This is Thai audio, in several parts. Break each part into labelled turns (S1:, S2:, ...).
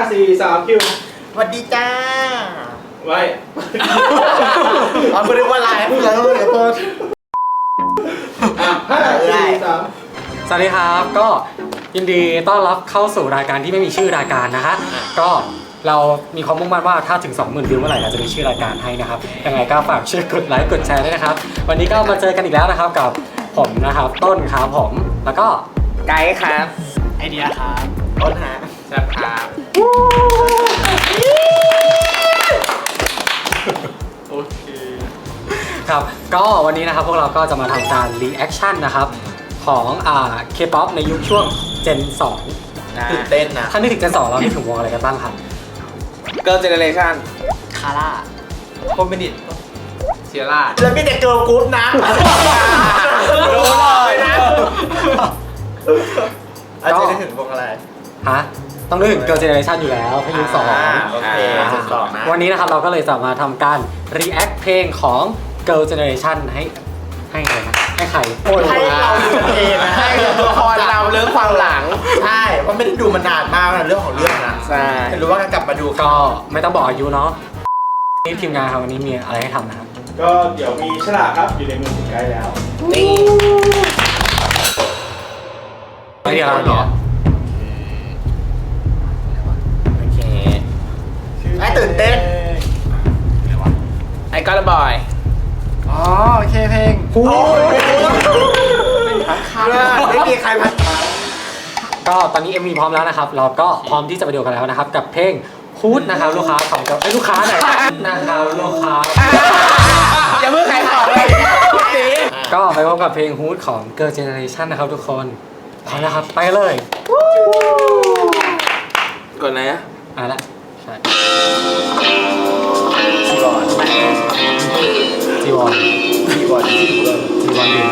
S1: 4 3คิว
S2: สวัสดีจ้า
S1: ไว้
S2: เราไม่ได้ว่าไลฟ์เราเดี๋ยวเพิ่ม
S1: 5 4 3
S3: สวัสดีครับก็ยินดีต้อนรับเข้าสู่รายการที่ไม่มีชื่อรายการนะฮะก็เรามีความมุ่งมั่นว่าถ้าถึง 20,000 วิวเมื่อไหร่เราจะมีชื่อรายการให้นะครับยังไงก็ฝากช่วยกดไลค์กดแชร์ด้วยนะครับวันนี้ก็มาเจอกันอีกแล้วนะครับกับผมนะครับต้นครับผมแล้วก็
S2: ไกด์ครับไอเดียครับต้นฮะแซ่บครับ
S1: โอเค
S3: ครับก็วันนี้นะครับพวกเราก็จะมาทำการรีแอคชั่นนะครับของK-POP ในยุคช่วง Gen 2
S2: ตื่นเต้นนะ
S3: ถ้านึกถึง Gen 2เรานึกถึงวงอะไรกันบ้างครับ
S2: Girl Generation คาร่าโคมินิตเซียร่าแล้วมีแต่เกิร์ลกรุ๊ปนะรู้เลยนะอาจจะนึกถึงวงอะไร
S3: ฮะต้องนึกถึง Girl Generation อยู่แล้วเพลงยุค2
S2: โอเค2นะ
S3: วันนี้นะครับเราก็เลยจะมาทำการ react เพลงของ Girl Generation ให้ใครนะให้ใคร
S2: ให้เราดูเองนะให้ละครเราเรื่องความหลังใช่เพราะไม่ได้ดูมานานมากนะเรื่องของเรื่องนะใช่รู้ว่าการกลับมาดู
S3: ก็ไม่ต้องบอกอายุเนาะนี่ทีมงานครับวันนี้มีอะไรให้ทำนะครับ
S1: ก็เดี๋ยวมีฉลากครับอยู่ในมือผมใกล้แล้ว
S2: นี่
S3: ไม่เดียวเหรอ
S2: โอเคไอ้ตื่นเต้นไอ้ก็ระบอย
S3: อ๋อโอเคเพลง
S2: โอ้ยไม่มีใครพัด
S3: ก็ตอนนี้ MV พร้อมแล้วนะครับเราก็พร้อมที่จะไปดูกันแล้วนะครับกับเพลงฮูดนะครับลูกค้าของไอ้ลูกค้าไหนนะครับลูกค้า
S2: อย่าเพิ่งใครต่อเลย
S3: ก็ไปพบกับเพลงฮูดของ Girl Generation นะครับทุกคนพร้อมแล้วครับไปเลย
S2: ก่อนไหน
S3: ละใช่จีวอนดี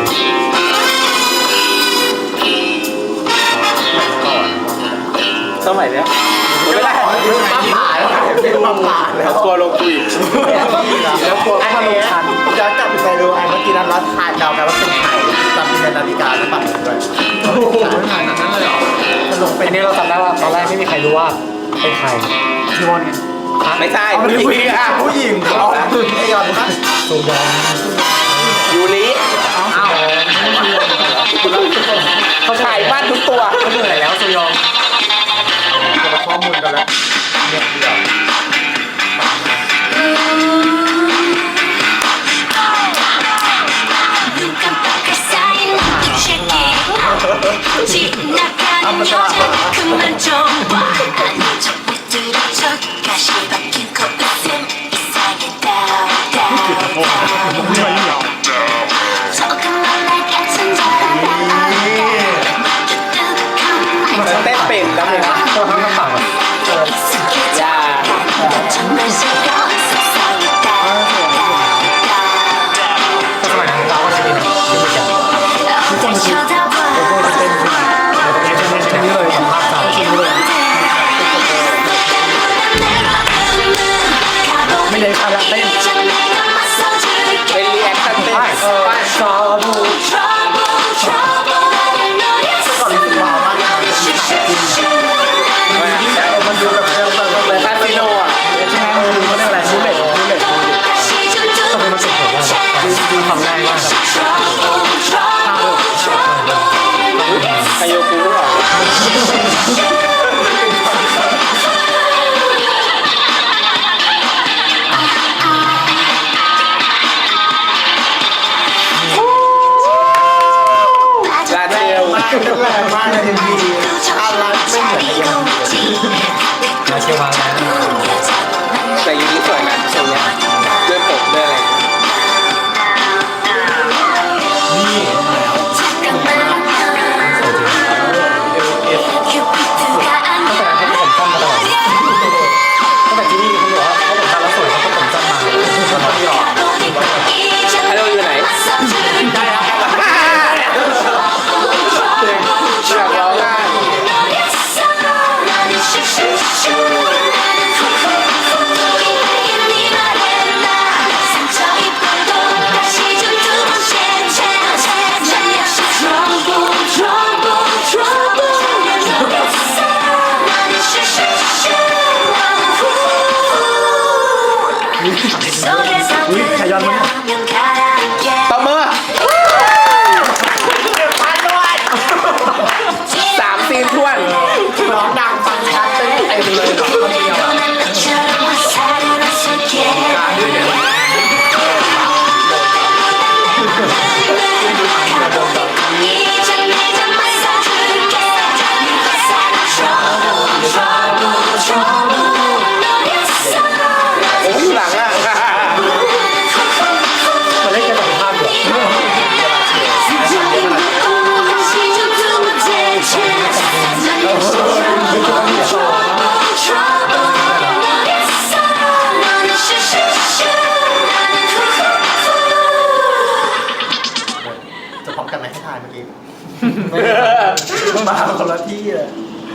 S2: สมัยเนี้ยไม่ได้ปั๊มผ่าแล้วปั๊มผ่าแล้วกลัวลงคุยแล้วกลัวถ้าลงทันย้อนกลับไปดูไอ้เมื่อกี้นั้นรัดทานเดากันว่าเป็นใครจำเป็นนาฬิกาแล้วปัดด้วยโอ้โหไม่ผ่านนั้นเลยเหรอ
S3: จะลงเป็นนี่เราจำได้ว่าตอนแรกไม่มีใครรู้ว่าเป็นใครจีวอนไง
S2: ไม่ใช่ผู้หญิงเขาไอ้ยอนนะ
S3: ซูยอน
S2: ยูริอ้าวเขาถ่ายบ้านทุกตัว
S3: เขาเหนื่อยแล้วซูยอน
S2: จะมาข้อมูลกันแล้วเนี่ยเดียวเต้นเป็นแล้วเลยนะ
S3: ตัวทั้งปาก
S2: อย่า
S3: สมัยนั้นเราก็จะเป็นที่มีกันทุกคนคิดเราก็จะเต้นที่เลยภาพสาวคิดเลยไม่ได้ภาพเต้น
S2: เป็นรีแอคชั่นเต้น
S3: ชาบู
S2: มันดูแบบเลยคาสิโนอ่ะ
S3: ใช่ไหมมันเรียกอะไรรูเล็ตทำไมมันสุดผมว่าดูทำง่ายมาก
S2: ไคโยกุหรือเปล่าลาเทลแรงมากเลยทีอะไรไม่เหมือนไอ้ยัง
S3: มาเชียวมาแล้ว
S2: แต่ยูนิสวยนะทรงเนี้ยด้วยผมด้วยอะไร
S3: นี่ตั้งแต่เขาผมสั้นมาตลอดตั้งแต่ที่นี่เขาบอกว่าเขาผมสั้นแล้วสวยเขาก็ผมสั้นมาตลอดที่หรอ
S2: ฮัลโหลอยู่ไหนได้แล้วอยากร้องได้ขยันมั้ยตบมือ3 ซีนทวนร้องดังฟังชัดเต็มเลยคนเดียวหลังอ่ะ
S3: มาเล่นกันแบบภาพเดียว
S2: จะพร้อมกันไหมให้ทายเมื่อกี้มาคนละที่เลย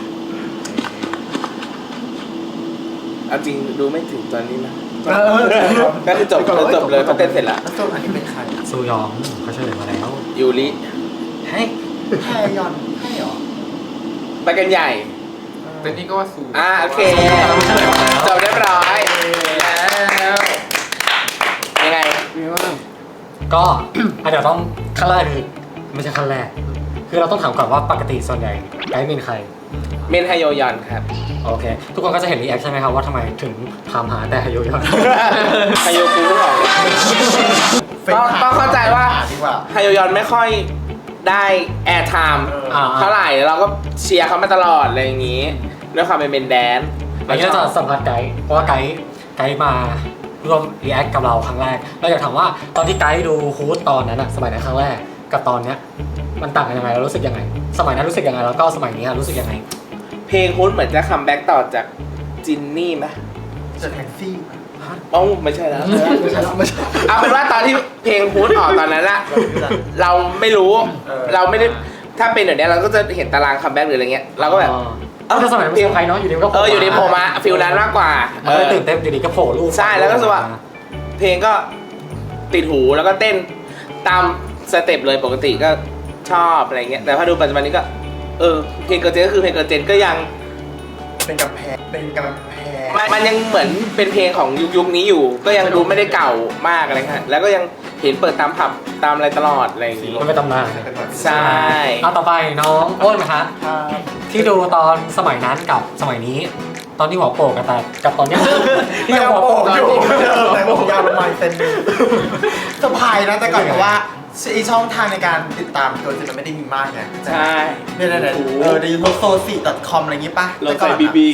S2: เอาจริงดูไม่ถึงตอนนี้นะก็คือจบเลยเขาเต้นเสร็จแล้วแล้วตัวอันนี้เป็นใคร
S3: ซูยองเขาเฉลยมาแล้ว
S2: ยูริให้แพยอนให้หรอไปกันใหญ่
S4: เป็นนี่ก็ว่าสู
S2: โอเคจบเรียบร้อยแล้วยังไง
S3: ก็ เดี๋ยวต้องขั้นแรกคือไม่ใช่ขั้นแรก คือเราต้องถามก่อนว่าปกติส่วนใหญ่ไกด์เป็นใคร
S2: เมนไฮโยยอนครับ
S3: โอเค ทุกคนก็จะเห็นรีแอคใช่ไหมครับว่าทำไมถึงถามหาแต่ฮายโยยอน
S2: ไฮโยกูรู้หรอต้องเข้าใจว่าไฮโยยอนไม่ค่อยได้แอร์ไทม์เท่าไหร่เราก็เชียร์เขามาตลอดอะไรอย่างนี้ด้วยความเป็นเมนแดน
S3: อันนี้เราจะสัมภาษณ์ไกด์เพราะว่าไกด์มาร่วมรีแอคกับเราครั้งแรกเราอยากถามว่าตอนที่ไกด์ดูฮูดตอนนั้นอะสมัยนั้นครั้งแรกกับตอนเนี้ยมันต่างกันยังไงเรารู้สึกยังไงสมัยนั้นรู้สึกยังไงแล้วก็สมัยนี้รู้สึกยังไง
S2: เพลงฮูดเหมือนจะคัมแบ็กต่อจากจินนี่ไหมจะแท็กซี่ไม่ใช่แล้วเอาเป็นว่าตอนที่เพลงฮูดออกตอนนั้นอะเราไม่รู้เราไม่ได้ถ้าเป็นแบบนี้เราก็จะเห็นตารางคัมแบ็กหรืออะไรเงี้ยเราก็แบบ
S3: ถ้าสมัยนั้นเพลงใครเนาะอยู่ดีก็
S2: อยู่ดีโผล่มาฟิลนั้นมากกว่า
S3: ตื่นเต้นอยู่ดีก็โผล่รูป
S2: ใช่แล้วก็รู้สึกว่าเพลงก็ติดหูแล้วก็เต้นตามสเต็ปเลยปกติก็ชอบอะไรเงี้ยแต่พอดูปัจจุบันนี้ก็เพลงเกิร์ลเจนก็คือเพลงเกิร์ลเจนก็ยังเป็นกำแพงมันยังเหมือนเป็นเพลงของยุคนี้อยู่ก็ยังดูไม่ได้เก่ามากอะไรเงี้ยแล้วก็ยังเห็นเปิดตามผับตามอะไรตลอดอะไรอย่างงี้
S3: มันเป็นตำนาน
S2: ใช่
S3: ต่อไปน้องอ้นนะคะที่ดูตอนสมัยนั้นกับสมัยนี้ตอนที่หัวโปกกับตอนนี้ที่หัวโปกอยู่
S2: แต่ผมยาวลงมาเต็มสบายนะแต่ก่อนเพราะว่าช่องทางในการติดตามตัวจริงมันไม่ได้มีมากไงใช่เนี่ยในยูทูบsoci.com อะไรอย่างงี้ป่ะแต่ก่อน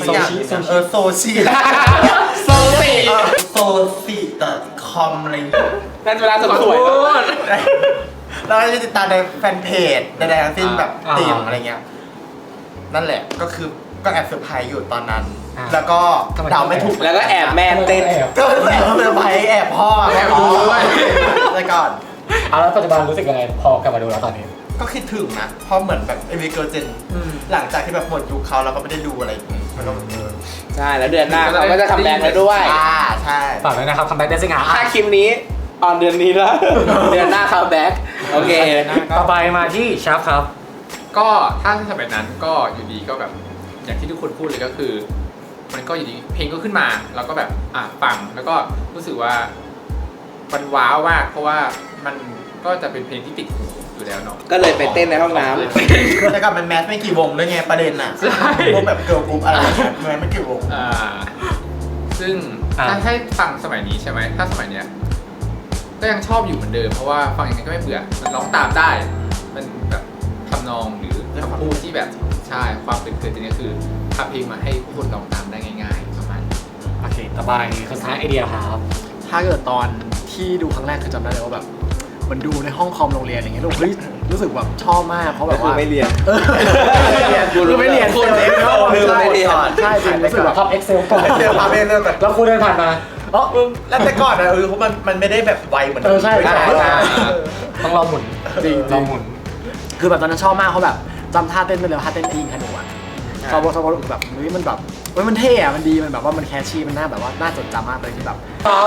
S2: soci.com อะไรอย่างงี้นั่นเวลาสวยเราจะติดตามในแฟนเพจใดๆทั้งสิ้นแบบตีมอะไรเงี้ยนั่นแหละก็คือก็แอบเซอร์ไพรส์อยู่ตอนนั้นแล้วก็เดาไม่ถูกแล้วก็แอบแม่เต้นก็แอบเซอร์ไพรส์แอบพ่อแอบดูด้วยแต่ก่อน
S3: แล้วปัจจุบันรู้สึกยังไงพอกลับมาดูแล้วตอนนี้
S2: ก็คิดถึงนะเพราะเหมือนแบบเอวิเกิร์ลเจนหลังจากที่แบบหมดยุคเขาเราก็ไม่ได้ดูอะไรมันก็ใช่แล้วเดือนหน้าเราก็จะคัมแบ็กแล้วด้วยใช่
S3: ฝากด้วยนะครับคัมแบ็กได้สิงหา
S2: ถ้าคลิปนี้ออนเดือนนี้แล้วเดือนหน้าคัมแบ็กโอเค
S3: ต่อไปมาที่ชาร์ปครับ
S4: ก็ถ้าสมัยนั้นก็อยู่ดีก็แบบอย่างที่ทุกคนพูดเลยก็คือมันก็อยู่ดีเพลงก็ขึ้นมาเราก็แบบฟังแล้วก็รู้สึกว่ามันว้าวมากเพราะว่ามันก็จะเป็นเพลงที่ติดหูอยู่แล้วเนาะ
S2: ก็เลยไปเต้นในห้องน้ำแต่ก่อนมันแมสไม่กี่วงด้วยไงประเด็นอ่ะวงแบบเกิร์ลกรุ๊ปอะไรแมสไม่กี่วง
S4: ซึ่งถ้าให้ฟังสมัยนี้ใช่ไหมถ้าสมัยเนี้ยก็ยังชอบอยู่เหมือนเดิมเพราะว่าฟังยังไงก็ไม่เบื่อมันร้องตามได้มันแบบทำนองหรือคำพูดที่แบบใช่ความเป็นเกิดนี้คือทำเพลงมาให้ผู้คนร้องตามได้ง่ายๆประมาณ
S3: โอเคต่อไปคือท้ายไอเดียครับ
S5: ถ้าเกิดตอนที่ดูครั้งแรกคือจำได้เลยว่าแบบมันดูในห้องคอมโรงเรียนอะไรเงี้ยรู้สึกแบบชอบมากเพราะแบบว่า
S2: ไม่เรียน
S5: คือไม่เรียน
S2: คนเองก็ไม่เรียน
S5: ใช่จริงรู้สึกแบบ
S3: ทำ Excel ก่อน
S2: ทำเองเลยแบบ
S3: แล้วครูเดินผ่านมา
S2: แล้วแต่ก่อนนะเพราะมันไม่ได้แบบไวเหมือน
S3: ใช่ต้องรอหมุน
S5: จริง
S3: รอหมุน
S5: คือแบบตอนนั้นชอบมากเขาแบบจำท่าเต้นไปเลยท่าเต้นยิงขนูอ่ะชอบแบบมันแบบมันเท่อะมันดีมันแบบว่ามันแคชชี่มันน่าแบบว่าน่าจดจำมากเลยที่แบบ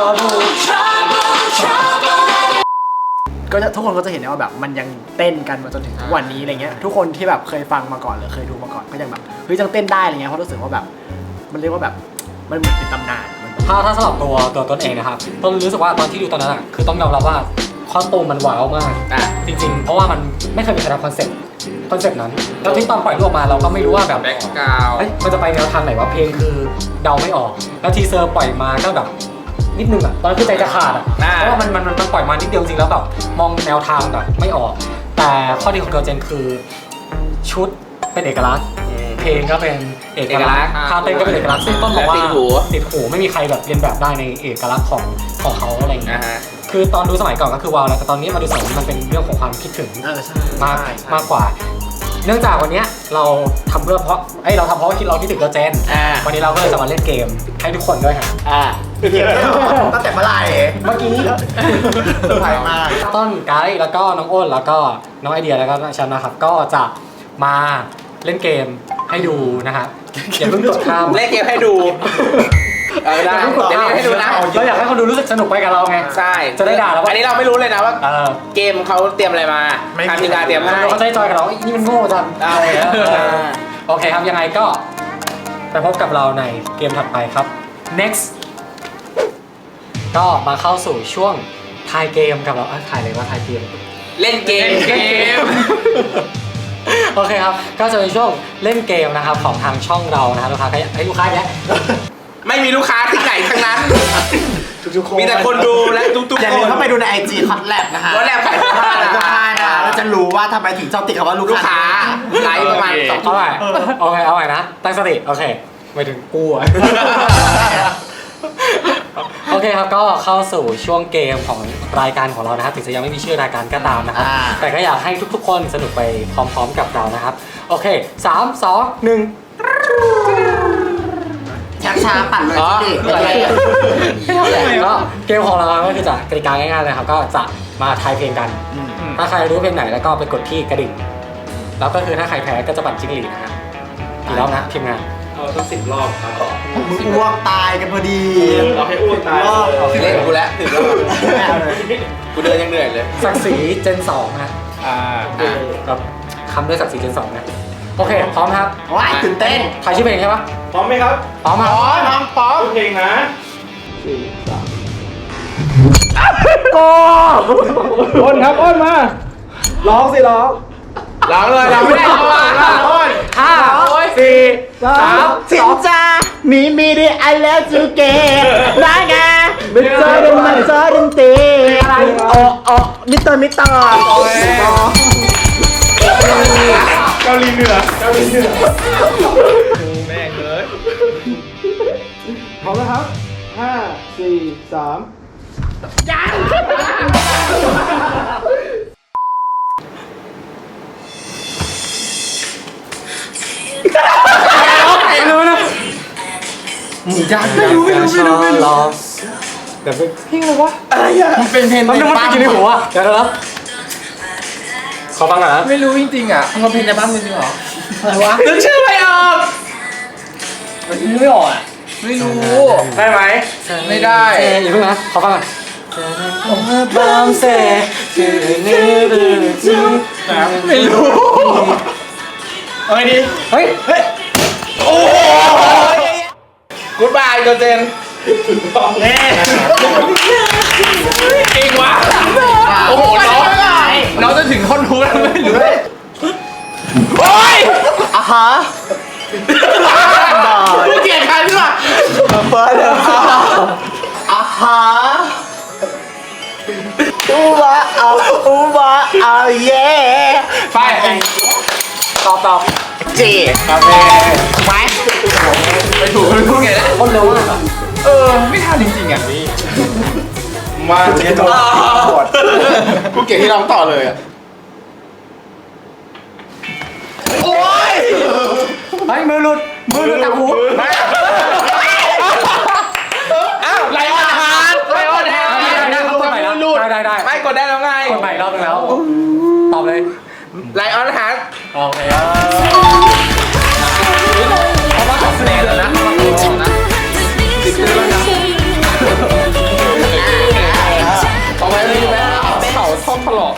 S5: ก็ทุกคนก็จะเห็นได้ว่าแบบมันยังเต้นกันมาจนถึงทุกวันนี้อะไรเงี้ยทุกคนที่แบบเคยฟังมาก่อนหรือเคยดูมาก่อนก็ยังแบบยังเต้นได้อะไรเงี้ยเพราะรู้สึกว่าแบบมันเรียกว่าแบบมันเหมือนเป็นตำนานมัน
S3: ถ้าสำหรับตัวต้นเองนะครับต้นรู้สึกว่าตอนที่ดูตอนนั้นอะคือต้องยอมรับว่าคอสตูมมันว้าวมากจริงๆเพราะว่ามันไม่เคยมีใครทำคอนเซ็ปต์นั้นแล้วที่ตอนปล่อยรูปออกมาเราก็ไม่รู้ว่าแบบ
S4: แบ็คกราวด์
S3: มันจะไปแนวทางไหนวะเพลงคือเดาไม่ออกแล้วทีเซอร์ปล่อยมาก็แบบนิดนึงอะตอนคือใจจะขาดอะเพราะว่ามันปล่อยมานิดเดียวจริงแล้วแบบมองแนวทางแบบไม่ออกแต่ข้อดีของเกิร์ลเจนคือชุดเป็นเอกลักษณ์เพลงก็เป็นเอกลักษณ์ท่าเต้นก็เป็นเอกลักษณ์ซึ่งต้องบอกว่าติดหูไม่มีใครแบบเรียนแบบได้ในเอกลักษณ์ของเขาอะไรอย่างเงี้ยคือตอนดูสมัยก่อนก็คือว้าวแล้วแต่ตอนนี้มาดูสมัยนี้มันเป็นเรื่องของความคิดถึงมากกว่า เนื่องจากวันนี้เราทำเพราะว่าเราคิดถึงเกิร์ลเจนวันนี้เราก็เลยจะมาเล่นเกมให้ทุกคนด้วยค่ะ
S5: เกมตั้งแต่เมื่อไหร่
S3: เมื่อกี้
S5: เซอร์ไพรส์มาก
S3: ต้นไกด์แล้วก็น้องอ้นแล้วก็น้องไอเดียแล้วก็ฉันนะครับก็จะมาเล่นเกมให้ดูนะครับอย่าเพิ่งกดข้าม
S2: เล่นเกมให้ดูได้เดี๋ยวเล่นให้ดูนะ
S3: เราอยากให้คนดูรู้สึกสนุกไปกับเราไง
S2: ใช่
S3: จะได้ด่าแล้ว
S2: อันนี้เราไม่รู้เลยนะว่าเกมเขาเตรียมอะไรมาทางทีมงานเตรียมให้
S3: เขาจะได้จอยกับเรานี่มันโง่จังอะไรโอเคครับยังไงก็ไปพบกับเราในเกมถัดไปครับ next ก็มาเข้าสู่ช่วงทายเกมกับเราถ่ายเลยว่าทายเกม
S2: เล่นเกม
S3: โอเคครับก็จะเป็นช่วงเล่นเกมนะครับของทางช่องเรานะครับลูกค้าให้ลูกค้าเนี่ย
S2: ไม่มีลูกค้าที่ไหนทั้งนั้น
S5: ทุกคน
S2: มีแต่คนดูและทุกๆคน
S5: อย่าลืมเข้าไปดูใน IG คอตแลบนะคะ
S2: คอตแลบขายเสื้อผ้า
S5: นะเราจะรู้ว่าทำไมถึงชอบติดคำว่าลูกค้า
S2: ไลฟ์ประมาณ2
S3: เอาใหม่เอาใหม่นะตั้งสติโอเคไม่ถึงกูโอเคครับก็เข้าสู่ช่วงเกมของรายการของเรานะครับถึงจะยังไม่มีชื่อรายการก็ตามนะครับแต่ก็อยากให้ทุกๆคนสนุกไปพร้อมๆกับเรานะครับโอเค3 2 1
S5: ช้าปั่นเลยสิ
S3: ก็เกมของเราก็คือจะกติกาง่ายๆเลยครับก็จะมาทายเพลงกันถ้าใครรู้เพลงไหนแล้วก็ไปกดที่กระดิ่งแล้วก็คือถ้าใครแพ้ก็จะปั่นจิ้งหรีดนะครับกี่รอบนะทีมงาน
S1: เอาสัก10 รอบครับ
S5: มึงอ้วกตายกันพอดี
S1: เราให้อ้วกตาย
S2: เล่นกูแล้ว10 รอบกูเดินยังเหนื่อยเลย
S3: ศักดิ์ศรีเจน2นะแบบคำด้วยศักดิ์ศรีเจน2นะโอเคพร้อมครับ
S5: ว้ายตื่นเต้น
S3: ใครชื่อเพลงใช่ปะ
S1: พร้อมไหมครับ
S3: พร้อมครับ
S5: พร้อม
S1: เพลงนะอ้นครับอ้นมาร้องสิร้อง
S2: เลยร้องไม่ได้
S3: อ้น5 4 3
S5: สินจ้ามีดิ I love you เกย์ได้ไงมิเตอร์ดันตีโอ้มิเตอร์
S1: เกาหลีเหนือแม่เกิดพร้อมแล้วครับ5 4 3ยัง
S3: รู้นะหมูย่างไม่รู้แต่เป็นเพลงอะไรวะ
S5: อะไรอ่ะ
S3: มันเป็นเพลงมันไม่กินในหัวเดี๋ยวนะขอฟังหน่อยนะ
S4: ไม่รู้จริงๆอ่ะมันเพลงในบ้านจริงเหรอ
S5: อะไรวะ
S2: นึกชื่อไม่ออก
S5: ไม่ออกอ่ะ
S4: ไม่รู้
S3: ได้ไหม
S4: ไม่ได้
S3: อย่าเพิ่งนะขอฟังก่อนไม่รู้เฮ้ยดิเฮ้ย
S2: โอ้กูดบายเกิร์ลเจนจริงว่ะ
S4: โอ้โหน้องจะถึงท่อนฮุกแล้วไม่รู้
S2: โอ้ย
S5: ฮะ
S2: กูเกลียดใครพี่วะ
S5: เปิดเลยฮะอูบะเอาเย่
S3: ไปตอบ
S5: จี
S3: โอเค
S5: ไหม
S4: ไปถูกไงแล้ว
S3: คนเร็วมาก
S4: ไม่ทันจริงๆอ่ะ
S1: มาเรียนต่อ
S2: กูเก่งที่ร้องต่อเลยอ่ะ
S5: โอ้ย
S3: ไอ้มือหลุดจากหู
S2: อ้าวไลออนฮาร์ด
S3: ได้
S2: ไม่กดได้แล้วไง
S3: กดใหม่รอบนึงแล้วตอบเลย
S2: ไลออนฮาร์ด
S3: โอเค
S2: เขามา2 คะแนนแล้วนะเขามา2 นะติดเรื่องนะต่อไปเลยไหมเข่าท่อมถลอก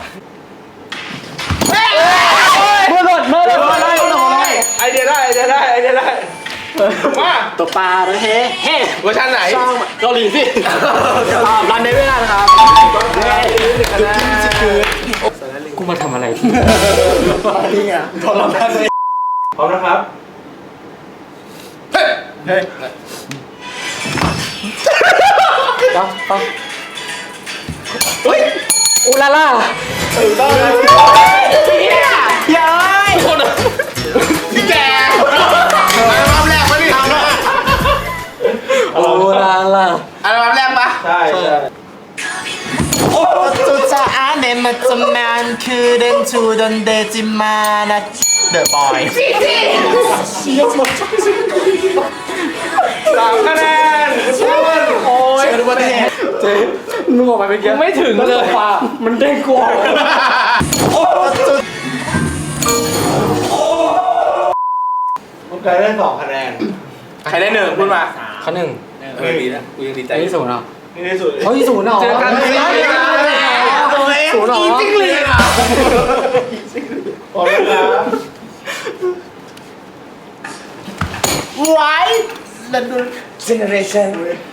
S3: มือหลุด
S2: ไอเดียได้มา
S5: ตัวปลาแล้วเฮ้เฮ้
S2: เวอร์ชันไหน
S5: ช่องเกาหลีสิรันได้ไม่ได้นะครับ
S3: กูมาทำอะไรที่
S5: นี่ไงทรมานเลย
S1: พร้อมนะครับ
S5: เฮ้ย
S3: ต้องอูลาล่า
S5: ถูกต้องแล้วย้าย
S2: พี่แกอัลบั้มแรกปะนี่
S3: อูลาล่า
S2: อัลบั้มแรกปะ
S1: ใช่ใช่
S5: สุดจะอ่านเนมาจำนานคือเดนชูดนเดจิมานะเดอะบอย
S1: 3 คะแนน
S5: โอ้ยดูประเทศ
S3: เจ๊มึงออกไปเป็นยังไม่ถึงเลยมันเด้งกว่า
S1: ผมเคยได้2 คะแนน
S2: ใครได้1พูดมา
S3: ข้อหนึ่ง
S2: ดีนะกูยังดีใจ
S3: ไอ้ศูนย์เหรอ
S1: นี่ที่สุด
S3: เฮ้ยศูนย์เหรอ
S2: เจอกัน
S3: ศูนย์เหรอ
S2: จริงเลยอ่ะ
S1: พร้อมนะครับ
S5: ไว้ดันดูเจเนอเรชั่น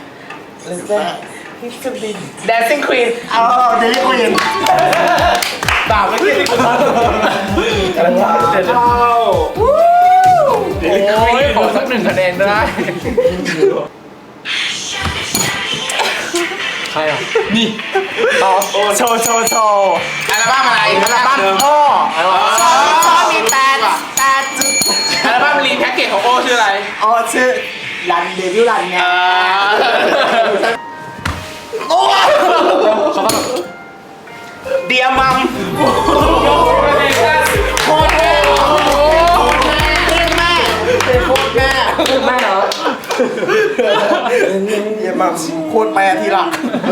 S2: Dancing Queen
S5: เอาเดลิควีน
S2: ดาวไม่กินอีกแล้ว
S1: อะไรวะเจ็ดเข้า
S2: โอ้ยขอสัก1 คะแนนได้
S3: ใครอ่ะ
S5: โชว์
S2: อัลบั้มอะไร
S5: อัลบั้มพ่อชอบมีแต่จุด
S2: อัลบั้มรีแพ็กเกจของโอชื่ออะไร
S5: อ๋อชื่อรันเดวิลรันไง
S2: โอ้
S3: เขาก็แบบ
S2: เดียมัมโคตรแม่
S3: แม่เหรอ
S5: เยี่ยมมากโคตรแปรทีหลัง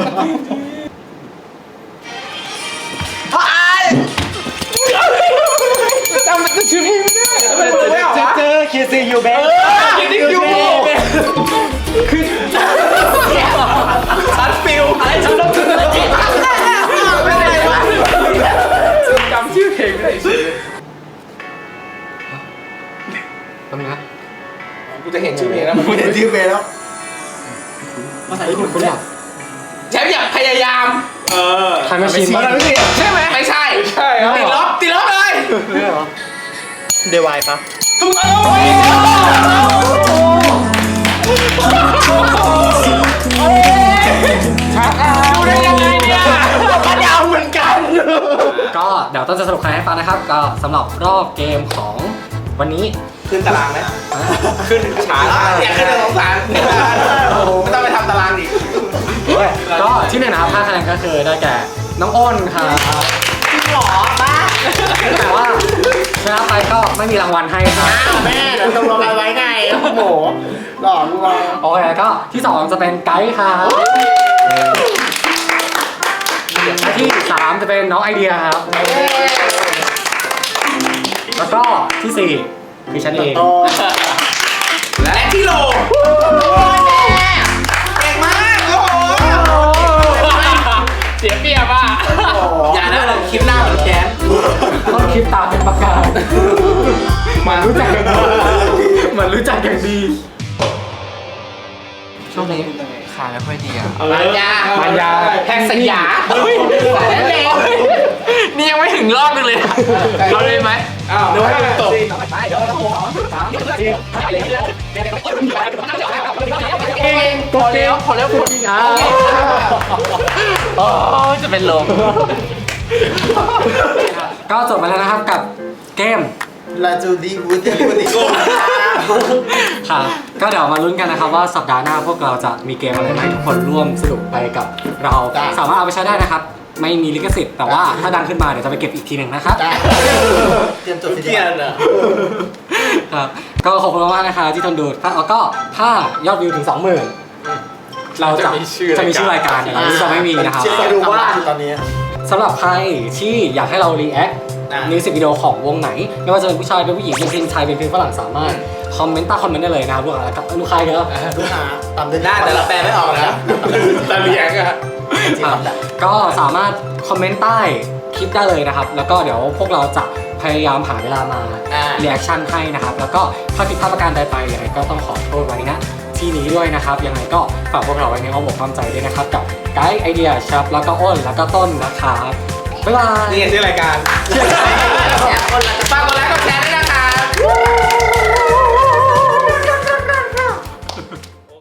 S2: จำมันจะชื่อเพลงไม่ได้ไม่ออกวะ
S5: เจอคิดซียูเบน
S2: คิดถึงยูคือชัดฟิลอะไรฉันต้องถึงอะไรไม่ได้วะจำชื่อเพลงไม่ได้ชื่อ
S3: ทำไงนะ
S2: กูจะเห็นชื่อเพลงแล้ว
S5: กูเห็นชื่อเบนแล้ว
S3: ภาษาญี่ปุ่นคุณเนี่ย
S2: แชมป์อยากพยายาม
S3: ไทม์แมชชีนป่ะ
S2: ใช่ไหมไม่ใช่ติดลบเลย
S3: ไม่เหรอ
S5: เดวายปะ
S2: ถูกต้องดูได้ยังไงเนี่ย
S5: ปัญญาเหมือนกัน
S3: ก็เดี๋ยวต้นจะสรุปคะแนนให้ฟังนะครับ ก็สำหรับรอบเกมของวันนี้
S2: ขึ้นตารางไหมขึ้นช้าอยากขึ้นสงสารไม่ต้องไปทำตารางอีก
S3: ก็ที่หนึ่งนะครับ5 คะแนนก็คือได้แก่น้องอ้นครับ
S5: จริงหรอป้า
S3: แต่ว่าชนะไปก็ไม่มีรางวัลให้ครับ
S5: แม่เดี๋ยวตกลงกันไว้ไงโอ้โหหล่อมึงวะ
S3: โอเคก็ที่2จะเป็นไกด์ครับและที่3จะเป็นน้องไอเดียครับ แล้วก็ที่4คือฉันเอง
S2: และที่โลเก่งมากโอ้โหเสียเปรียบอ่ะอย่านะเราคิดหน้าเหมือนแกน
S3: ต้นคลิปตาเป็นประกาศมันรู้จักมันรู้จักอย่างดี
S4: ช่วงนี้ขาไม่ค่อยดีอ่ะ
S2: มันยาแพงสยาสายแดง
S4: นี่ยังไม่ถึงรอบนึงเลยเอาเลยไหม
S1: เดี๋ยวให้ตก
S4: พอแล้วคนจะเป็นลม
S3: ก็จบไปแล้วนะครับกับเกม
S5: ลาจูดีวูดดี้วูดดี้โก้
S3: ค่ะก็เดี๋ยวมาลุ้นกันนะครับว่าสัปดาห์หน้าพวกเราจะมีเกมอะไรมาให้ทุกคนร่วมสนุกไปกับเราสามารถเอาไปใช้ได้นะครับ ไม่มีลิขสิทธิ์แต่ว่าถ้าดังขึ้นมาเดี๋ยวจะไปเก็บอีกทีหนึ่งนะครับ
S5: เตรียมจด
S2: เกียนอ่ะ
S3: ครับก็ขอบคุณมากๆนะคะที่ทนดูแล้วก็ถ้ายอดวิวถึง 20,000 เราจะมีชื่อรายการอย่างนี้จะไม่มีนะครับ
S5: เชื่อดูว่าตอนนี้
S3: สำหรับใครที่อยากให้เรารีแอคมิวสิกวิดีโอของวงไหน ไม่ว่าจะเป็นผู้ชายเป็นผู้หญิงเป็นเพลงไทยเป็นเพลงฝรั่งสามารถคอมเมนต์ใต้คอมเมนต์ได้เลยนะครับลูกค้าครับลูกค้าเยอะ
S5: ลูกค้าตามเดิน
S2: ได้แต่เราแปลไม่ออกนะแต่เลี้ยงอ่ะ
S3: ก็สามารถคอมเมนต์ใต้คลิปได้เลยนะครับ แล้วก็เดี๋ยวพวกเราจะพยายามหาเวลามาเรีแอคชั่นให้นะครับ แล้วก็ถ้าผิดพลาดประการใดไปยังไงก็ต้องขอโทษไว้นะที่นี้ด้วยนะครับยังไงก็ฝากพวกเราไว้ในอ้อมอกอ้อมใจด้วยนะครับกับไกด์ไอเดียชับแล้วก็อ้นแล้วก็ต้นนะครับบ๊ายบาย
S2: นี่ชื่อรายการ
S4: ฝากกดไลค์กดแชร์